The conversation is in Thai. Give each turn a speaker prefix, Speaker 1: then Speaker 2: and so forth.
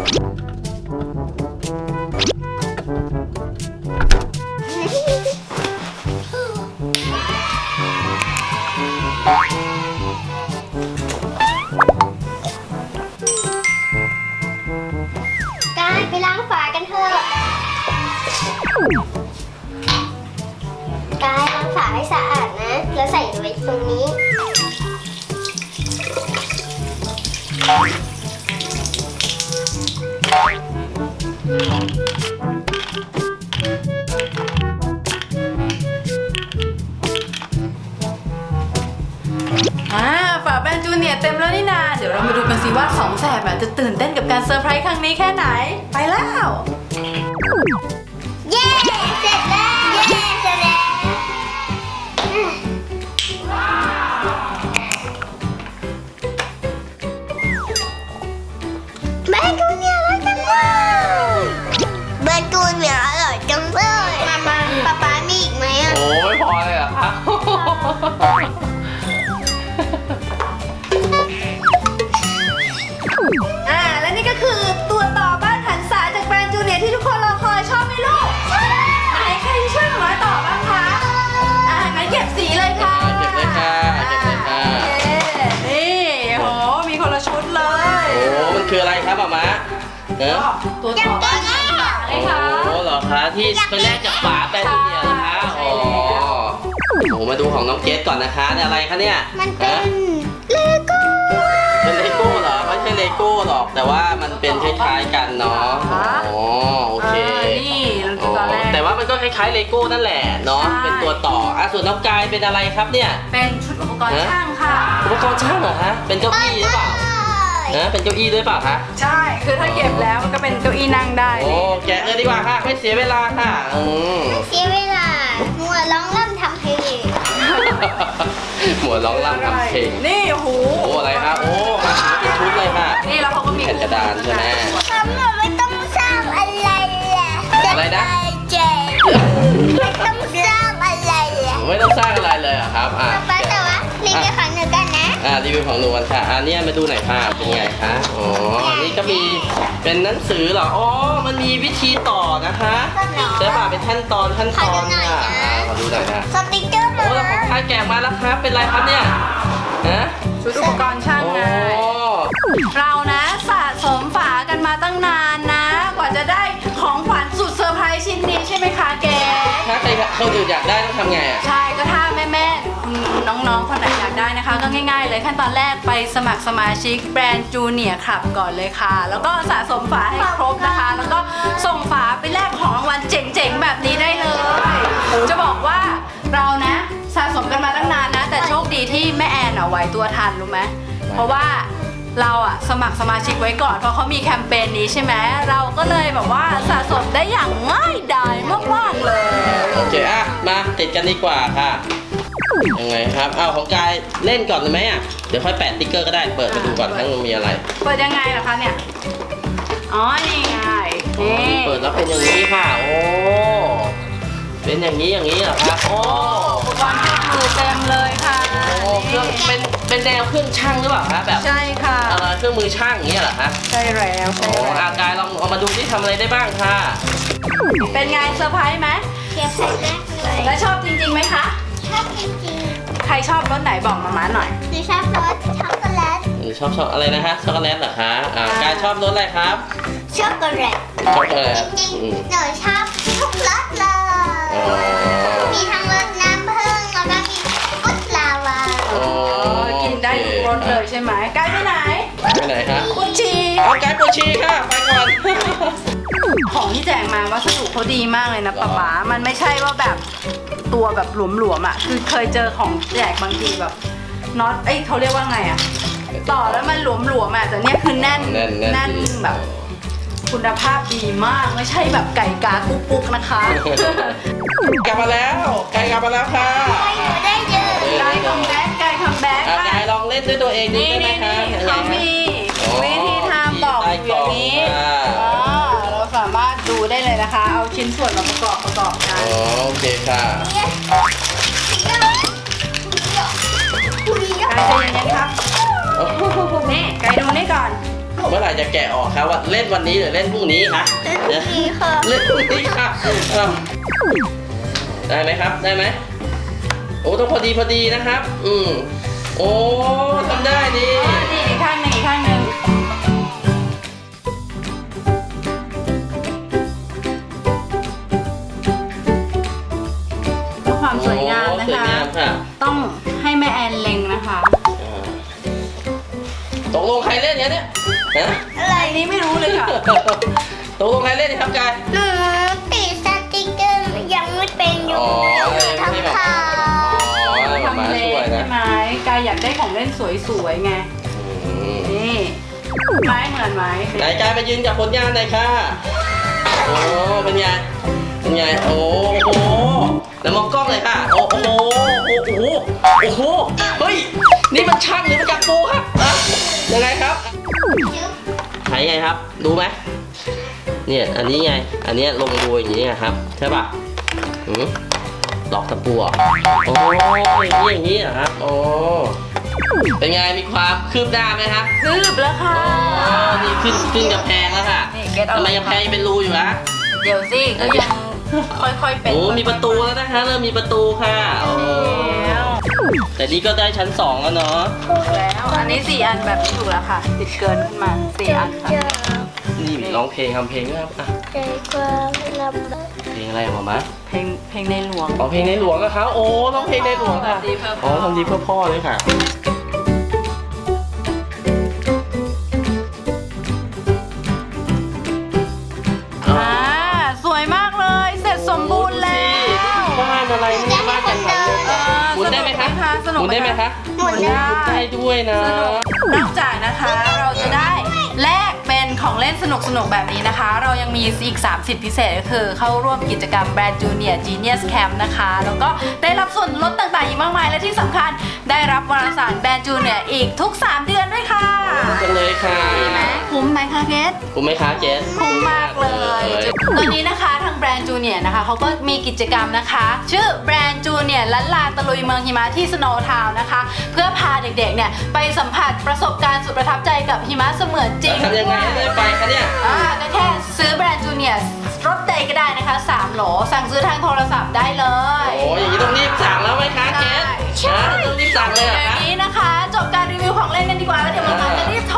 Speaker 1: ไปล้างฝากันเถอะกายล้างฝาให้สะอาดนะ แล้วใส่ไว้ตรงนี้
Speaker 2: ฝาแบรนด์จูเนียร์เต็มแล้วนี่นาเดี๋ยวเรามาดูกันสิว่าสองแสบจะตื่นเต้นกับการเซอร์ไพรส์ครั้งนี้แค่ไหนไปแล้ว
Speaker 1: เย้เสร็จแล้วเย้เสร็จแล้วแบนจูเนียร์อร่อยจังเลยแบนจูเนียร์อร่อยจังเลยป๊ามีอีกไหมอ่ะ
Speaker 3: โอ้ไม่พอเลยเหรอครับ
Speaker 2: และนี่ก็คือตัวต่อบ้านหันษาจากแบรนด์จูเนียร์ที่ทุกคนรอคอยชอบไหมลูกไหนใครที่ช่วยหนูน้อยต่อบ้างคะงั้นเก็บสีเลยค่ะ
Speaker 3: เก็บเลยค่ะเก็บเลยค่ะ
Speaker 2: นี่โหมีคนละชุดเลย
Speaker 3: โอ้มันคืออะไรครับหมาเนอะ
Speaker 2: ตัวต่อบ้านหันษาเลยค่ะ
Speaker 3: โอ้เหรอคะที่เป็นแรกจากฝาแบรนด์จูเนียร์นะคะอ๋อโอ้มาดูของน้องเกดก่อนนะคะเนี่ยอะไรคะเนี่ย
Speaker 1: มันเป็นเลโก้
Speaker 3: เป็นเลโก้เหรอไม่ใช่เลโก้หรอกแต่ว่ามันเป็นคล้ายๆกันเนาะอ๋อโอเค
Speaker 2: นี่ตอนแรก
Speaker 3: แต่ว่ามันก็คล้ายๆเลโก้นั่นแหละเนาะ
Speaker 2: ใช่
Speaker 3: เป็นตัวต่อส่วนน้องกายเป็นอะไรครับเนี่ย
Speaker 2: เป็นชุดอุปกรณ์ช่างค่ะ
Speaker 3: อุปกรณ์ช่างเหรอฮะเป็นเก้าอี้หรือเปล่าเป็นเก้าอี้ด้วยเปล่าคะ
Speaker 2: ใช่ คือถ้าเก็บแล้วมันก็เป็นเก้าอี้นั่งได้
Speaker 3: โอ้แกะเลยดีกว่าค่ะไม่เสียเวลาค่ะ
Speaker 1: เสียเวลามัวร้องเริ่มทำเพลง
Speaker 3: หมวดร้องร่ำทำเพลง
Speaker 2: นี่โอ้โห
Speaker 3: โอ้อะไรครับโอ้มาเป็นชุดเลยค่ะ
Speaker 2: นี่แล้วเขาก็มี
Speaker 3: แผ่นกระดานใช่ไหม
Speaker 1: ทำแบบไม่ต้องสร้างอะไรเลย
Speaker 3: อะไรนะ
Speaker 1: เจ๊ไม่ต้องสร้างอะไรเลย
Speaker 3: ไม่ต้องสร้างอะไรเลยเหรอครับ
Speaker 1: ป๊าแต่ว่ารีวิวของหนูกันนะ
Speaker 3: รีวิวของหนูกันค่ะเนี่ยมาดูหน่อยค่ะเป็นไงคะอ๋ออันนี้ก็มีเป็นหนังสือเหรออ๋อมันมีวิธีต่อนะคะใช่ป่ะเป็นขั้นตอนค่ะขอดูหน่อยนะ
Speaker 1: สติ๊กเกอร์
Speaker 3: โอ้แล้วของใครแกะมาแล้วครับเป็นไรครับเนี่ยฮะ
Speaker 2: ชุดอุปกรณ์ช่างไง
Speaker 3: โอ้
Speaker 2: เรานะสะสมฝากันมาตั้งนานนะ กว่าจะได้ของขวัญสุดเซอร์ไพรส์ชิ้นนี้ใช่ไหมคะแก
Speaker 3: ถ้าใครคนอื่นอยากได้ต้องทำไงอ่ะ
Speaker 2: ใช่ก็ถ้าแม่ๆน้องๆคนไหนอยากได้นะคะ ก็ง่ายๆเลยขั้นตอนแรกไปสมัครสมาชิกแบรนด์จูเนียร์คลับก่อนเลยค่ะ แล้วก็สะสมฝาให้ครบนะคะ แล้วก็ส่งฝาไปแลกของรางวัลเจ๋งๆแบบนี้ได้เลย จะบอกว่าเรานะสะสมกันมาตั้งนานนะ แต่โชคดีที่แม่แอนไหวตัวทันรู้ไหมเพราะว่าเราอะสมัครสมาชิกไว้ก่อนเพราะเขามีแคมเปญนี้ใช่ไหมเราก็เลยแบบว่าสะสมได้อย่างง่ายดายมากๆเลย
Speaker 3: โอเคมาติดกันดีกว่าค่ะยังไงครับของกายเล่นก่อนเลยไหมอ่ะเดี๋ยวค่อยแปะติ๊กเกอร์ก็ได้เปิดมาดูก่อนทั้งมันมีอะไร
Speaker 2: เปิดยังไงล่ะคะเนี่ยอ๋อนี่ไงนี่
Speaker 3: เปิดแล้วเป็นอย่างนี้ค่ะโอ้เป็นอย่างนี้เหรอครับโอ้
Speaker 2: อุปกรณ์เครื่องมือเต็มเลยค่ะ
Speaker 3: โอ้เครื่องเป็นแนวเครื่องช่างหรือเปล่าคะแบบ
Speaker 2: ใช่ค่ะ
Speaker 3: เครื่องมือช่างอย่างเงี้ยเหรอคะ
Speaker 2: ใช่แล้ว
Speaker 3: โอ้กายลองเอามาดูที่ทำอะไรได้บ้างค่ะ
Speaker 2: เป็นไงเซอร์ไพรส์ไหม
Speaker 1: เก็บใส่แรกเลย
Speaker 2: แล้วชอบจริงๆไหมคะ
Speaker 1: ชอบจริง
Speaker 2: ใครชอบรสไหนบอกมาหน่อย
Speaker 1: ๆหนูชอบรสช็อกโกแลต
Speaker 3: ชอบอะไรนะฮะช็อกโกแลตเหรอคะกายชอบรสอะไรครับ
Speaker 1: ช็อกโกแลต
Speaker 3: ช็อกโกแลต
Speaker 1: จริงๆหนูชอบทุกรสเลย มีทั้งรสน้ำผึ้งแล้วก็มีรสลาวา
Speaker 2: กินได้ทุกรสเลยใช่ไหมไกด์ไปไหน
Speaker 3: ไปไหนครับ
Speaker 2: กุชี
Speaker 3: เอากายปวดฉี่ค่ะไปก่อน
Speaker 2: ของที่แจกมาวัสดุเขาดีมากเลยนะป๊ามันไม่ใช่ว่าแบบตัวแบบหลวมๆอ่ะคือเคยเจอของแจกบางทีแบบน็อตเขาเรียกว่าไงอ่ะต่อแล้วมันหลวมๆอ่ะแต่เนี้ยคือแน่นแบบคุณภาพดีมากไม่ใช่แบบไก่กากุ๊กๆนะคะ
Speaker 3: กลับมาแล้วกายกลับมาแล้วค่ะ
Speaker 1: ไปหนูได้เยอะ
Speaker 2: ไก่คัมแบ็กไก่คัมแบ็ก
Speaker 3: กายลองเล่นด้วยตัวเองดู
Speaker 2: นี่
Speaker 3: ได้ไหม
Speaker 2: นี่
Speaker 3: คะ
Speaker 2: เขามีวิธีทำบอกอยู่อย่างนี้เราสามารถดูได้เลยนะคะ เอาชิ้นส่วนมาประกอบกัน
Speaker 3: โอเคค่ะ
Speaker 2: ไก่ใจเย็นๆครับนี่ไก่ดูนี่ก่อน
Speaker 3: เมื่อไหร่จะแกะออกครับว่าเล่นวันนี้หรือเล่นพรุ่งนี้คะเดี๋ยว
Speaker 1: ดีค่ะ
Speaker 3: เล่นพรุ่งนี้ค่ะได้ไหมครับได้ไหมโอ้ต้องพอดีนะครับ โอ้ทำได้ดิ
Speaker 2: นี่อีกข้างหนึ่งอีกข้างหนึ่งเพื่อความสวยงามนะ
Speaker 3: สวย
Speaker 2: คะ
Speaker 3: งามค่ะ
Speaker 2: ต้องให้แม่แอนเล็งนะคะ
Speaker 3: ตกลงใครเล่นเนี่ยฮะ
Speaker 1: อะไร
Speaker 2: อันนี้ไม่รู้เลยค่ะ
Speaker 3: ตกลงใครเล่นครับกาย
Speaker 1: หนูติดสติ๊กเกอร์ยังไม่เป็นอยู่
Speaker 3: อ๋อ
Speaker 1: ทั้งขา
Speaker 3: อ๋อมา
Speaker 2: ทำเล็
Speaker 3: ช่วย
Speaker 2: ใช่
Speaker 3: นะ
Speaker 2: ไหมกายอยากได้ของเล่นสวยๆไง นี่ไม้เหมือนไหม
Speaker 3: ไหนกายไปยืนกับผลงานหน่อยค่ะโอ้เป็นไงเป็นไงโอ้โหแล้วมองกล้องเลยค่ะโอ้โหโอ้โหเฮ้ยนี่มันช่างหรือมันจักรปูครับอะยังไงครับใช้ไงครับดูไหมเนี่ยอันนี้ไงอันนี้ลงดูอย่างนี้ครับใช่ป่ะหลอกตะปูอ่ะโอ้ยอย่างนี้เหรอครับโอ้เป็นไงมีความคืบหน้าไหมครับ
Speaker 2: คืบแล้วค่ะ
Speaker 3: อ๋อนี่ขึ้นกำแพงแล้วค่ะ
Speaker 2: นี่เก็ตเอา
Speaker 3: ทำไมกำแพงเป็นรูอยู่นะ
Speaker 2: เดี๋ยวสิก็ยังค่อยๆเป็น
Speaker 3: โอ้มีประตูแล้วนะคะเริ่มมีประตูค่ะโอ้
Speaker 2: แล้ว
Speaker 3: แต่นี่ก็ได้ชั้น 2 แล้วเนาะ
Speaker 2: ถูกแล้ว อันนี้4อันแบบนี้ถูกแล้วค่ะ ติดเกินขึ้นมา4อันค่ะ
Speaker 3: นี่ร้องเพลงทำเพลงด้วยครับอ่ะ
Speaker 1: ใจความลำบาก
Speaker 3: เพลงอะไรออกมา
Speaker 2: เพลงในหลวง
Speaker 3: ร้องเพลงในหลวงนะครับโอ้ร้องเพลงในหลวงค่ะ
Speaker 2: ทำดีเพื่อพ่อ
Speaker 3: อ๋อทำดีเพื่อพ่อเลยค่ะ
Speaker 2: อ่าสวยมากเลย เสร็จสมบูรณ์แล้ว
Speaker 3: บ้านอะไรนี่บ้านจังหวัดเลยหมุนได้ไหมคะ
Speaker 2: สนุก
Speaker 3: หมุนได้ไหมคะ
Speaker 1: หมุนได้
Speaker 3: หมุนได้ด้วยนะ
Speaker 2: สนุกนอกจากนะคะเราจะได้แลกเป็นของเล่นสนุกๆแบบนี้นะคะ เรายังมีอีก3สิทธิพิเศษก็คือเข้าร่วมกิจกรรมแบรนด์จูเนียร์ Genius Camp นะคะแล้วก็ได้รับส่วนลดต่างๆอีกมากมายและที่สำคัญได้รับวารสารแบรนด์จูเนียร์อีกทุก3เดือนด้วยค่ะ
Speaker 3: จังเลยค่ะ
Speaker 2: คุ้มไหมคะเกส
Speaker 3: คุ้มไหมคะเจส
Speaker 2: คุ้มมากเลยตอนนี้นะคะทางแบรนด์จูเนียร์นะคะเขาก็มีกิจกรรมนะคะ ชื่อแบรนด์จูเนียร์ลันลาตะลุยเมืองหิมะที่สโนว์ทาวน์นะคะ เพื่อพาเด็กๆเนี่ยไปสัมผัสประสบการณ์สุดประทับใจกับหิมะเสมือนจริง
Speaker 3: ทำยังไงให้ได้ไปคะเนี่ย
Speaker 2: ก็แค่ซื้อแบรนด์จูเนียร์รถเดย์ก็ได้นะคะ3โหลสั่งซื้อทางโทรศัพท์ได้เลย
Speaker 3: โอ้อย่างนี้ต้องรีบสั่งแล้วไหมคะเจส
Speaker 2: ใช่
Speaker 3: ต้องรีบสั่งเลยเหรอ
Speaker 2: เดี๋ยว
Speaker 3: คะ
Speaker 2: นี้นะคะ จบการรีวิวของเล่นกันดีกว่าแล้วเดี๋ยวมาจะรีบ